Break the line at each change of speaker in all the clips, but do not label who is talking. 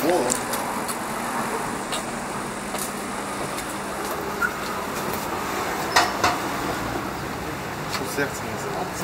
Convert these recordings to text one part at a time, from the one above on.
Серце називається.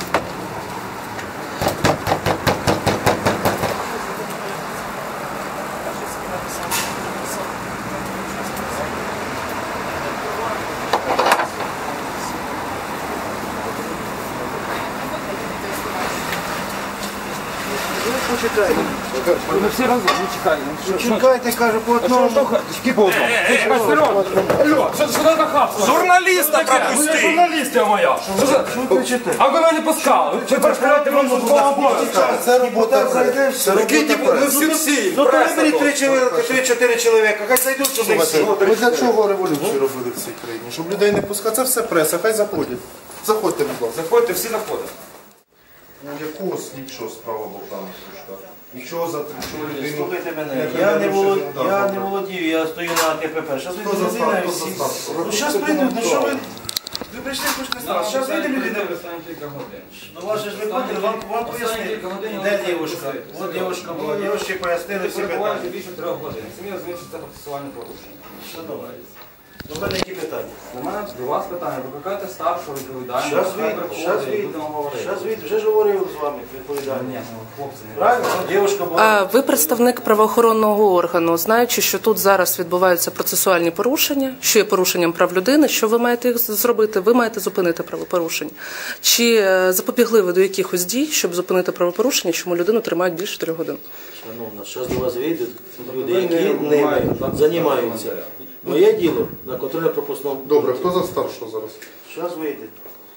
Почекайте.
Ми всі разом, не чекаємо.
Чекайте, каже, по одному.
Тільки по одному. Алло, що це за хапство?
Журналіста пропусти!
Журналістія моя! А ви мене пускали? Ви перешкоджаєте вам службового обов'язку.
Це робота, зайде, все.
Ми всі
Ну, то виберіть 3-4 чоловіка, хай зайдуть сюди всі.
Ми для чого революцію робили в цій країні? Щоб людей не пускати. Це все преса, хай заходять. Заходьте, будь ласка.
Заходьте, всі заходять.
Ну, якого слідчого справа Богдана Кружка? Нічого за людину.
Слухайте мене, я не володію, я стою на КПП. Зараз вийде людина і всі. Ну, зараз прийдуть, ну що ви? Ви прийшли, хочете стати. Зараз вийде людина. Ну, ваше ж виходили, вам пояснили. Де дівушка? От дівушка була, дівушці пояснили всі питання.
Більше 3 годин. Самі розумієте, що це процесуальне порушення.
Шановні, до мене які питання?
У мене до вас питання. Викликайте старшого відповідального.
Зараз вийде, вже ж говорив з вами відповідальний.
Ні, хлопці, не
Правильно? Дівушка була.
Ви представник правоохоронного органу, знаючи, що тут зараз відбуваються процесуальні порушення, що є порушенням прав людини, що ви маєте їх зробити? Ви маєте зупинити правопорушення. Чи запобігли ви до якихось дій, щоб зупинити правопорушення, чому людину тримають більше 3 годин?
Шановна, зараз до вас вийдуть люди, які ними займаються. Моє діло на контрольно-пропускному.
Добре, хто за старшого зараз?
Зараз вийде.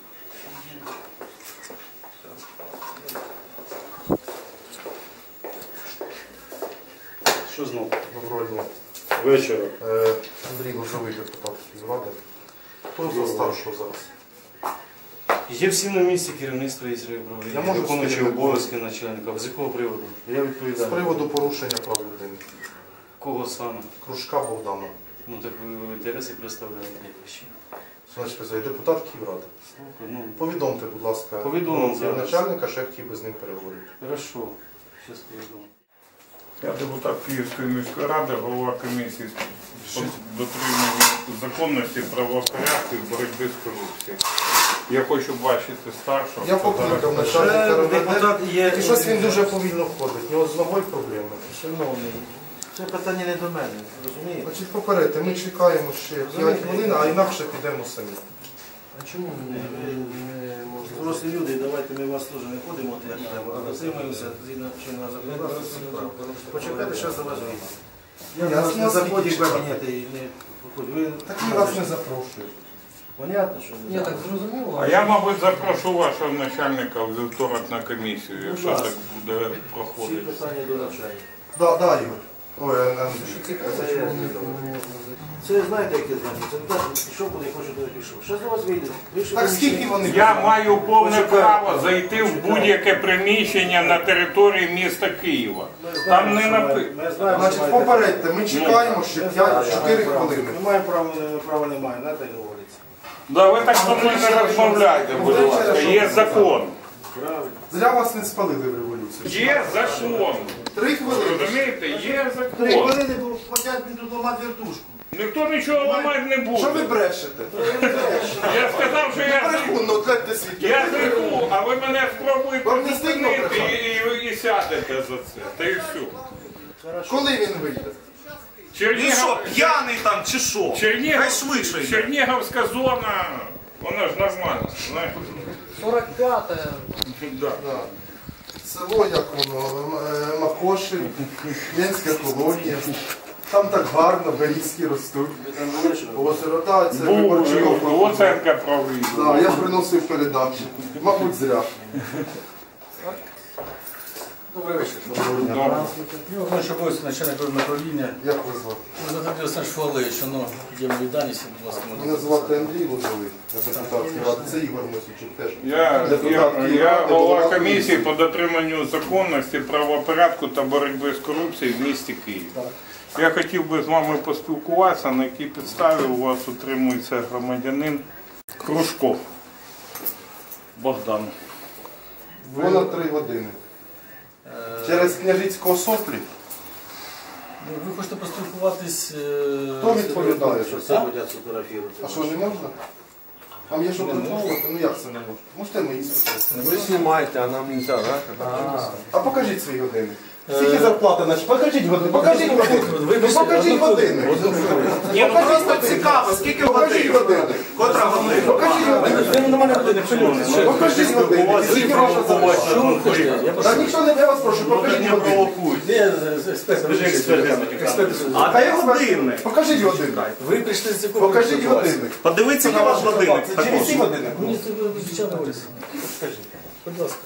Що знову?
Доброго дня.
Вечора.
Андрій Лозовий, депутат Київради. Хто за старшого зараз?
Є всі на місці керівництва із
Я можу
виконуючи
сказати,
обов'язки начальника. З якого приводу? Я
З
відповідаю.
приводу порушення прав людини.
Кого саме?
Кружка Богдана.
Ну так ви інтереси представляєте якось.
Значить, депутат Київради.
Слухай, ну,
Повідомте, будь ласка,
Повідомимо зараз.
начальника, що я хотів би з ним переговорити.
хорошо. Зараз повідомлю.
Я депутат Київської міської ради, голова комісії з дотримання законності, правопорядку і боротьби з корупцією. Я хочу бачити старшого.
Я покликав начальника
депутат
РВД,
є.
і щось він дуже повільно ходить. У нього з ногою проблеми.
Шановний, це питання не до мене, розумієте?
Значить, попередьте, ми чекаємо ще 5 хвилин, а інакше підемо самі.
А чому ми не можемо? Дорослі люди, давайте ми вас теж не ходимо, як треба, а дотримуємося згідно чинного законодавства всіх прав. Почекайте, зараз до вас вийде. Я вас не заходжу в кабінет і не виходжу. Ви
Так ми вас не запрошуємо.
понятно, що ви?
Я так зрозуміло.
А я, мабуть, запрошу вашого начальника в вівторок на комісію, якщо так буде
Всі
проходити.
питання до навчання.
Да, Ігор. Ой, Андрій.
Це знаєте, яке знання? Це не так, пішов, куди хочу, туди пішов. Зараз до вас вийде.
Так скільки вони?
Я маю повне право зайти в будь-яке приміщення на території міста Києва. Там не написано.
Ми знаємо,
Значить, попередьте, ми чекаємо ще 4 хвилини.
Ми маємо права немає, знаєте, як говориться.
Да, ви так зі мною не розмовляйте, будь ласка. Є закон.
Правильно.
Зря вас не спалили в революції.
Є закон.
3 хвилини.
Розумієте, є
3
закон.
хвилини, бо хотять мені тут ламати вертушку.
Ніхто нічого ламати не
Що ви
буде.
брешете?
Я сказав, що я
Брехун, гляньте свідки.
Я греху, а ви мене спробуєте
Вам не стидно
зупинити
брехати?
і сядете за це. Та і все.
Коли він вийде?
Він що, п'яний там чи що? Хай швидше йде.
Чернігівська зона, вона ж нормальна. знаєш.
45-те.
Да.
Село, як воно, Макоші, Ленська колонія. Там так гарно, берізки ростуть.
Ви там були, що?
Озеро, так, це виборчий
Був,
округ.
Луценка правий.
Так, я приносив передачі. Мабуть, зря.
Добрий вечір.
Добре.
Я виконуючий обов'язки начальника управління.
Як ви звати?
Захотів Олександр Швалевич, воно є мої дані, будь ласка,
Мене звати Андрій Лозовий, я депутат Київради. Це Ігор Мосійчук теж.
Я голова комісії по дотриманню законності, правопорядку та боротьби з корупцією в місті Київ. Я хотів би з вами поспілкуватися, на якій підставі у вас утримується громадянин Кружков Богдан.
Понад 3 години. Через Княжицького соплі.
Ви хочете поспілкуватись...
Хто відповідає, що це?
Хотять сфотографувати.
А що, не можна? Вам є що приховувати? Ну як це не можна? Можете мої сфотографувати?
Ви знімаєте, а нам не можна, так?
А покажіть свій годинник. Скільки зарплати наші? Покажіть годинник. Покажіть годинник. Ну, покажіть годинник.
Ні, ну просто цікаво, скільки
Покажіть
годин?
годинник.
Котра година?
Покажіть годинник. Покажіть годинник. Скільки ваша зарплата?
Що ви хочете? Я прошу.
Та ніхто не для вас прошу, покажіть годинник.
А де годинник?
Покажіть годинник.
Ви прийшли з якого...
Покажіть годинник.
Подивіться на ваш годинник
Це
також.
через годинник.
Мені це звичайно говориться. Будь ласка.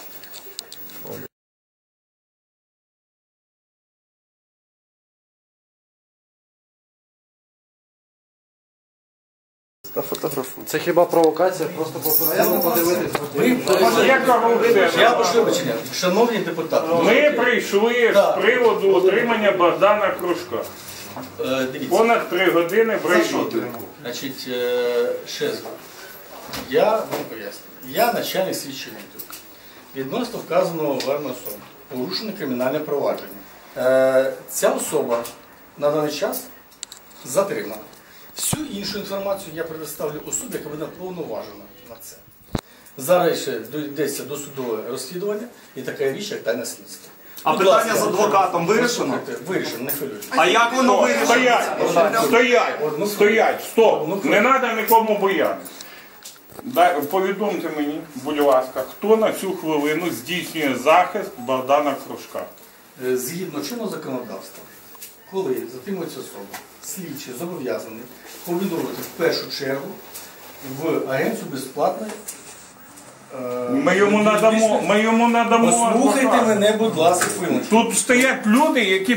Це хіба провокація? Просто попередньо подивитися.
Є корупція.
Я прошу вибачення. Шановні депутати.
Ми прийшли з приводу отримання Богдана Кружка.
Дивіться.
Понад 3 години в райвідділі.
Значить, ще раз. Я вам поясню. Я начальник слідчого відділу. Відносно вказаного вами особи порушено кримінальне провадження. Ця особа на даний час затримана. Всю іншу інформацію я предоставлю особі, яка буде повноважена на це. Зараз ще йдеться досудове розслідування і така річ, як тайне слідство.
А
Будь
питання
ласка,
з адвокатом вирішено?
Вирішено, не хвилюйтесь.
А як воно вирішено?
Стоять, стоп. Не треба нікому боятися. Повідомте мені, будь ласка, хто на цю хвилину здійснює захист Богдана Кружка?
Згідно чинного законодавства, коли затримується особа, слідчий зобов'язаний повідомити в першу чергу в агенцію безплатної.
Ми йому надамо.
Послухайте
адвоката.
мене, будь ласка, хвилинку.
Тут стоять люди, які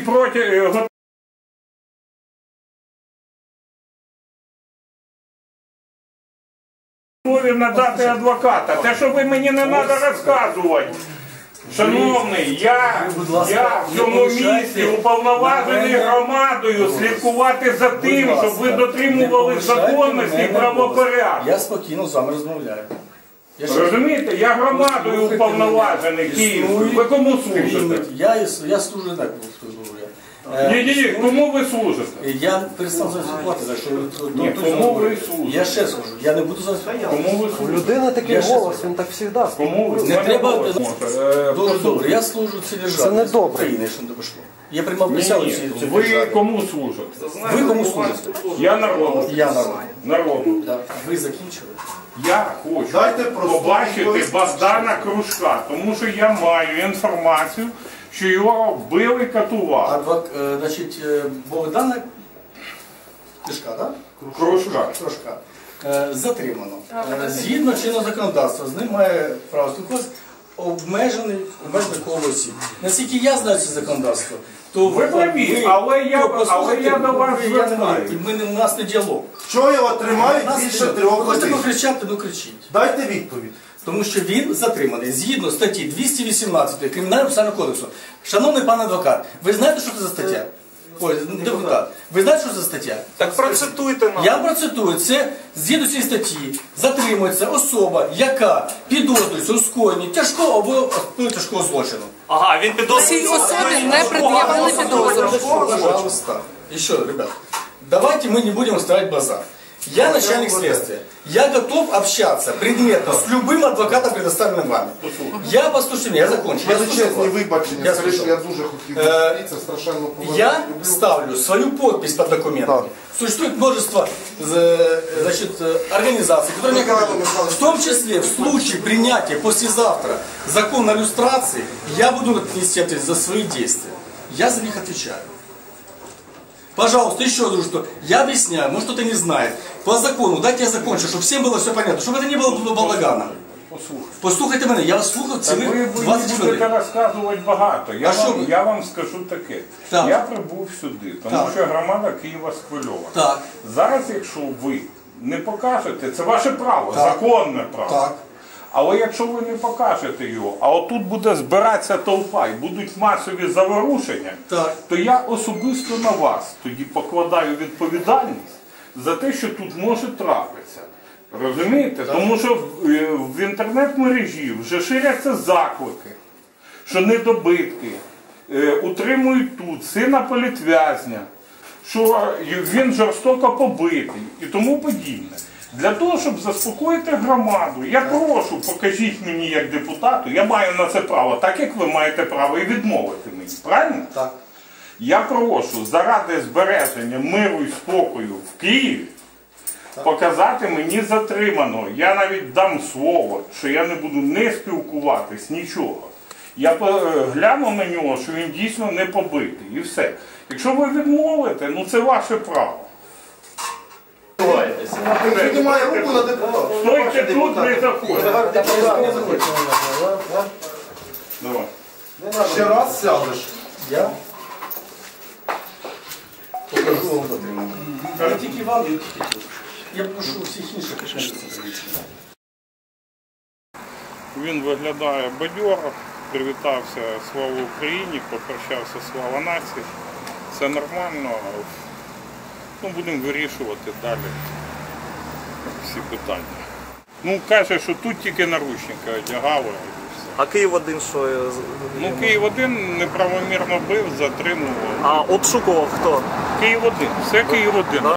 готові надати адвоката. Те, що ви мені не треба розказувати. Шановний, я в цьому місці уповноважений громадою слідкувати за тим, щоб ви дотримували законності і правопорядку.
Я спокійно з вами розмовляю.
Розумієте, я громадою уповноважений Київ. Ви кому служите?
Я служу не так, говорю.
Ні, кому ви служите?
Я перестав зараз спілкувати, за що
Ні, кому ви служите?
я ще скажу, я не буду зараз спілкувати.
Кому ви служите?
Людина такий голос, він так завжди.
Кому ви
Не треба.
служите?
Дуже добре, я служу цій державі.
Це не добре.
України, що не допошло. Я приймав присягу цій
Ви
державі.
кому служите?
Ви кому служите?
Я народу.
Я народ.
Народу.
Так. Ви закінчили?
Я хочу
Дайте просто
побачити
відповідь.
Богдана Кружка, тому що я маю інформацію, що його вбили, катували.
Значить, Богдана Кружка, так?
Кружка.
Кружка. Затримано. Згідно чинного законодавства, з ним має право спілкуватися обмежений коло осіб. Наскільки я знаю це законодавство, то
Ви праві, але я до вас звертаюсь.
У нас не діалог.
Що його тримають більше 3
Хочете
годин?
покричати, ну кричіть.
Дайте відповідь.
Тому що він затриманий згідно статті 218 Кримінального процесуального кодексу. Шановний пан адвокат, ви знаєте, що це за стаття? Ой, депутат. Ви знаєте, що це за стаття?
Так процитуйте нам.
Я процитую. Це згідно цієї статті затримується особа, яка підозрюється у скоєнні тяжкого або тяжкого злочину.
Ага, він
Цій
підозрює.
особі не пред'явили підозру.
Пожалуйста. Еще, ребят, давайте мы не будем устраивать базар. Я начальник следствия. Я готов общаться предметно с любым адвокатом, предоставленным вами. Я послушайте меня, я закончу. Я
Величезні
слушаю вас.
вибачення,
Я
скажи, що
слушаю.
я дуже хотів зустрітися, страшенно поважаю.
Я ставлю свою подпись под документами. Существует множество организаций, которые мне говорят, в том числе в случае принятия послезавтра закона о люстрации, я буду нести ответственность за свои действия. Я за них отвечаю. Пожалуйста, еще раз, что я объясняю, может кто-то не знает. По закону, дайте я закончу, чтобы всем было все понятно, чтобы это не было балагана. Послухайте мене, я вас слухав
Ви
цілих 20
будете
хвилин.
розказувати багато. Я вам скажу таке.
Так.
Я прибув сюди, тому
Так.
що громада Києва схвильована.
Так.
Зараз, якщо ви не покажете, це ваше право, законне право.
Так.
Але якщо ви не покажете його, а отут буде збиратися толпа і будуть масові заворушення,
Так.
то я особисто на вас тоді покладаю відповідальність за те, що тут може трапитися. Розумієте? Тому що в інтернет-мережі вже ширяться заклики, що недобитки утримують тут сина політв'язня, що він жорстоко побитий і тому подібне. Для того, щоб заспокоїти громаду, я прошу, покажіть мені як депутату, я маю на це право, так як ви маєте право і відмовити мені, правильно?
Так.
Я прошу, заради збереження миру і спокою в Києві, показати мені затриманого. Я навіть дам слово, що я не буду не спілкуватись, нічого. Я гляну на нього, що він дійсно не побитий, і все. Якщо ви відмовите, ну це ваше право.
Піднімає руку на депутата.
Стойте тут, не заходьте. Давай.
Ще раз сядеш.
Я покажу вам затримання. Не тільки вам, не тільки тут. Я прошу всіх інших підтримати.
Він виглядає бадьоро, привітався «Слава Україні», попрощався «Слава нації». Це нормально. Ну, будемо вирішувати далі всі питання. Ну, каже, що тут тільки наручники одягали.
А Київ-1 що?
Ну, Київ-1 неправомірно бив, затримував.
А обшукував хто?
Київ-1, все Київ-1.